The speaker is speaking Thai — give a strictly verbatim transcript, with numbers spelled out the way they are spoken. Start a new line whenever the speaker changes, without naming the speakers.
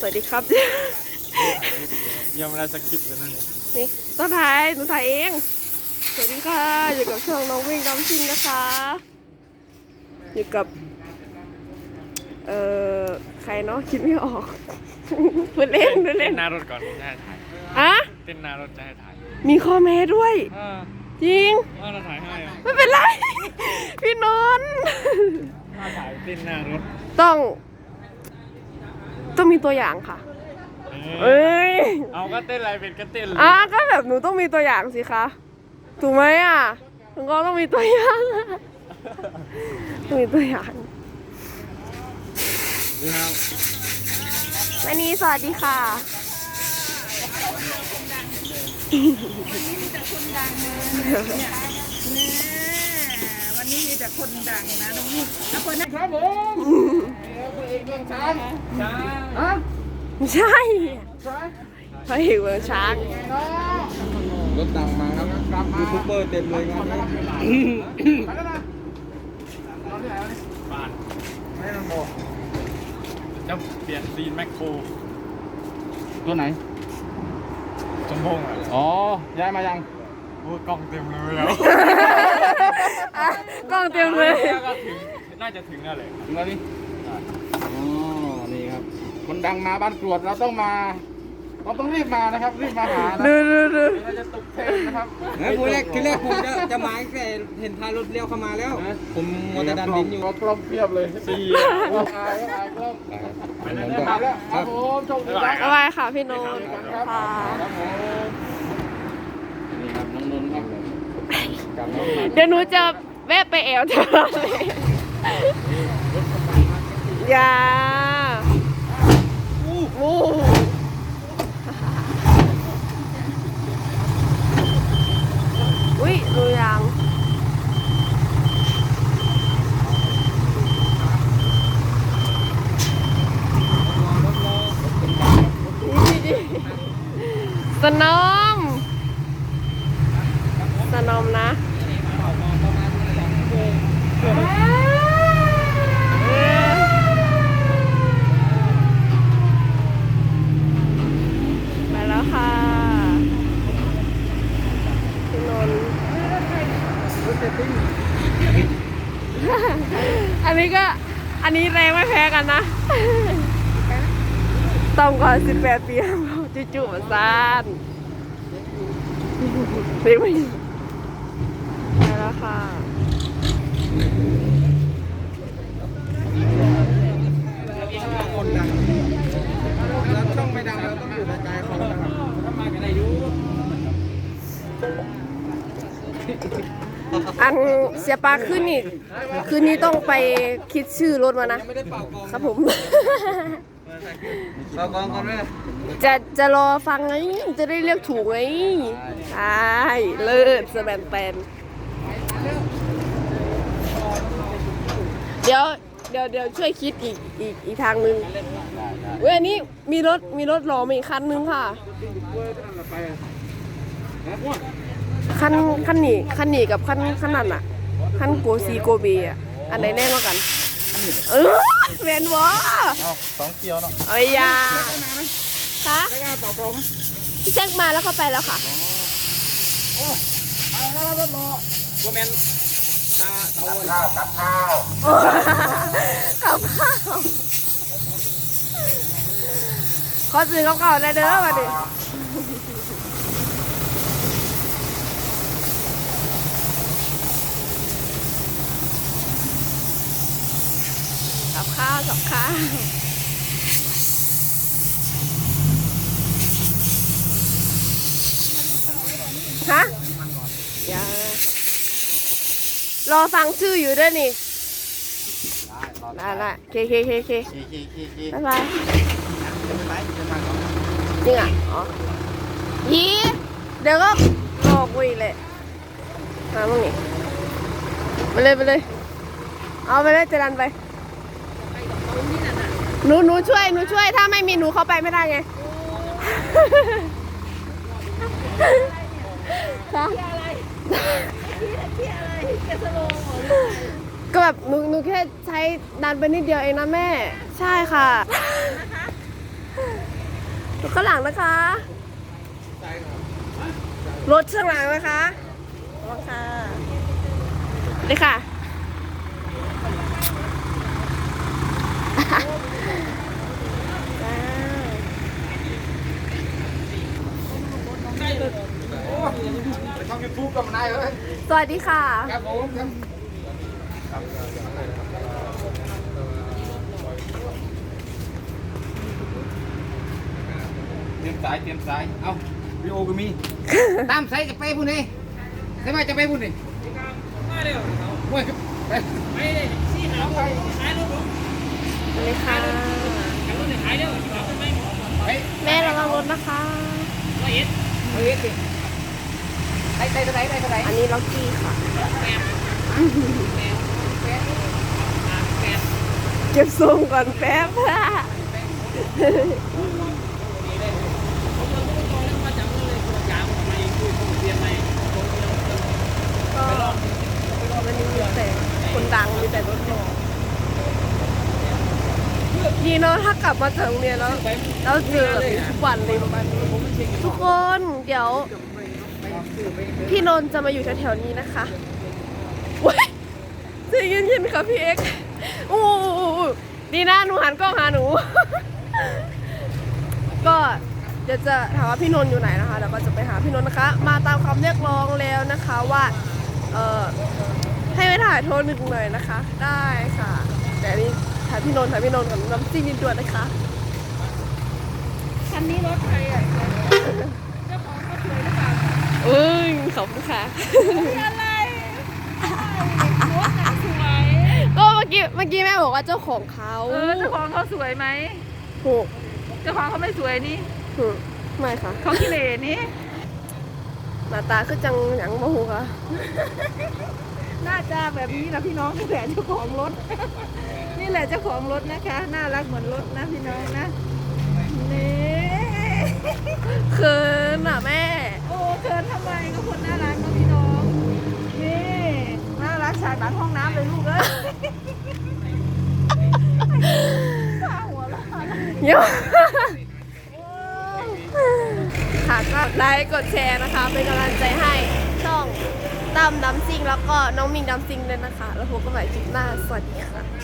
วัสดีครับ
ยังไม่ได้สคริปต์เลยนั่น
นี่ต้นถ่ายหนูถ่ายเองสวัสดีค่ะอยู่กับช่องน้องวิ่งดำชิงนะคะอยู่กับเอ่อใครเนาะคิดไม่ออกพูดเล่นพูดเล่น
เต้นหน้ารถก่อนจะให้ถ่าย
อะ
เต้นหน้ารถจะให้ถ่าย
มีข้อแม้ด้วยจริง
เราถ่ายให้
ไม่เป็นไรพี่นนท์
ถ้าถ่ายเต้นหน้ารถ
ต้องต้องมีตัวอย่างค่ะเอ้ย
เอาก็เต้นอะไรเป็นก็เต้นเลย
อ่ะก็แบบหนูต้องมีตัวอย่างสิคะถูกไหมอ่ะหนูก็ต้องมีตัวอย่างต้องมีตัวอย่างวันนี้สวัสดีค่ะ
วันนี้มีแต่คนดังนะน้องนี่แล้วคนนั้นครับผมตัวเองเมืองช้างช้างฮะ
ไม่ใช่พระเอกเมืองช้าง
รถดังมาครับยูทูบเบอร์เต็มเลยครับ
บ้านไม่ต้องบอกจะเปลี่ยนซีนแมคโคร
ตัวไหน
สมพงษ์อ่ะ
อ๋อย้ายมายัง
โอ้กล้องเต็มเลยแล้ว
กล้องเต็มเลย
ก็ถึงน่าจะถึงแล้วเลย
ถึงแล้วนี่อ๋อนี่ครับคนดังมาบ้านกรวดเราต้องมาเราต้องรีบมานะครับรีบมาหานะ
ดูดูดู
เราจะตกเทรนนะครับ
เฮ้ยพูดแรกคือแรกผมจะจะมาตั้งแต่เห็นทางรถเลี้ยวเข้ามาแล้วผมมัวแต่ดันดินอยู่
กล้องเพียบเลยสี่อายอายกล้องไปแล้วครับผมโชคดีครับ
บ๊ายบายค่ะพี่นนท์ค่ะ
ครับผมนี่ครับน้องนนท์ครับกับน้องนนท์
เดี๋ยวหนูจะแวะไปแอวเธอเลยอย่าอู้อุ้ยดูยังสนอมสนอมนะมาแล้วค่ะพี่นนท์อันนี้ก็อันนี้แรงไม่แพ้กันนะต้องก่อนสิบแปดปีจู่ๆมาซ่านเรียกไม่มาแล้วค่ะ
คนดังแล้วช่องไม่ดังเราต้องอยู่ในใจเขานะครับถ้ามากันอายุ
อันเสียปลาขึ้นนี่คืนนี้ต้องไปคิดชื่อรถมานะ
ครับ
ผม
เป่ากองก่อนไหม
จะจะรอฟังไงจะได้เลือกถูกไงใช่เลิศสแบนแปนเดี๋ยวเดี๋ยวเดี๋ยวช่วยคิดอีกอีกอีกทางนึงเว้ยอันนี้มีรถมีรถหล่อมาอีกคันนึงค่ะคันคันนี้คันนี้กับคันคันนั้นอ่ะคันโกซีโกเบอ่ะอันไหนแน่กว่ากันเออแมนวะ
สองเกียวเนาะ
เอ้ยยาคะพี่แจ็คมาแล้วเข้าไปแล้วค่ะ
โอ้ไปแล้วรถรอโมเมนต์ตาเตาข้าวกับข้าว
กับข้าวขอซื้อกับข้าวได้เด้อมาดิกับข้าวกับข้าวฮะอย่ารอฟังชื่ออยู่ด้วยนี่ได้ได้เคเคเคเคบ๊ายบายจริงอ่ะอ๋อยีเดี๋ยวก็รอกูอีกเลยมามึงนี่ไปเลยไปเลยเอาไปเลยจะดันไปหนูหนูช่วยหนูช่วยถ้าไม่มีหนูเข้าไปไม่ได้ไงค่ะก็แบบหนูหนูแค่ใช้ดันไปนิดเดียวเองนะแม่ใช่ค่ะรถข้างหลังนะคะ รถข้างหลังนะคะรถค่ะนี่ค่ะ
ไปทำยูทูบกับนายเอ้ย
สวัสดีค่ะ
ครับผมครับเตรียมสายเตรียมสายเอ้าวิโอก็มีตามสายจะไปพุ่นนี่ใช่ไหมจะไปพุ่นนี่มาเร็วไปไปไปเลยชี้หาไปขายรถผม
สวัสดีค่ะ
ขายเร็วไป
แม่ระวังรถนะคะ
ไปเอ็ดไปเอ็ดดิไปไปไปไปไปไป
อันนี้ล็อกกี้ค่ะ เก็บทรงก่อนแป๊บค่ะก็วันนี้มีแต่คนดังมีแต่รถหล่อดีเนาะถ้ากลับมาจากโรงเรียนแล้วเราเจอแบบนี้ทุกวันเลยประมาณนี้ทุกคนเดี๋ยว พี่นนท์จะมาอยู่แถวๆนี้นะคะว้ายใจเย็นๆค่ะพี่เอ็กซ์โอ้โหดีนะหนูหันกล้องหาหนู ก็เดี๋ยวจะถามว่าพี่นนท์อยู่ไหนนะคะแล้วก็จะไปหาพี่นนท์นะคะ มาตามคำเรียกร้องแล้วนะคะว่าเอ่อให้ไปถ่ายโทรหนึ่งหน่อยนะคะ ได้ค่ะ แต่อันนี้ถ่ายพี่นนท์ถ่ายพี่นนท์กับน้ำจิ้มนิดด่วนนะคะ
คันนี้รถใครอ่ะเจ้าของเขาสวยหรือเปล่า
เอ้ยขอบคุณค่ะ
อะไรรถน่ะสวย
ก็เมื่อกี้เมื่อกี้แม่บอกว่าเจ้าของเขา
เออเจ้าของเขาสวยไหม
ถูก
เจ้าของเขาไม่สวยนี่
ถูกไม่ค่ะ
เขาขี้เหร่นี่
หน้าตาคือจังหยังบ่ฮู้ค่ะ
น่าจะแบบนี้นะพี่น้องนี่แหละเจ้าของรถ นี่แหละเจ้าของรถนะคะ น่ารักเหมือนรถนะพี่น้องนะนี่
เขินอ่ะแม่
โอ้เกินทำไมก็คนน่ารักนะพี่น้องนี่น่ารักฉากหลังห้องน้ำเลยลูกเอ้ยข้าหัวเราะ
เยอะ ค่ะก็ไลค์กดแชร์นะคะ เป็นกำลังใจให้ช่องตั้มดำซิงแล้วก็น้องมิงดำซิงเลยนะคะ แล้วพบกันใหม่คลิปหน้า สวัสดีค่ะ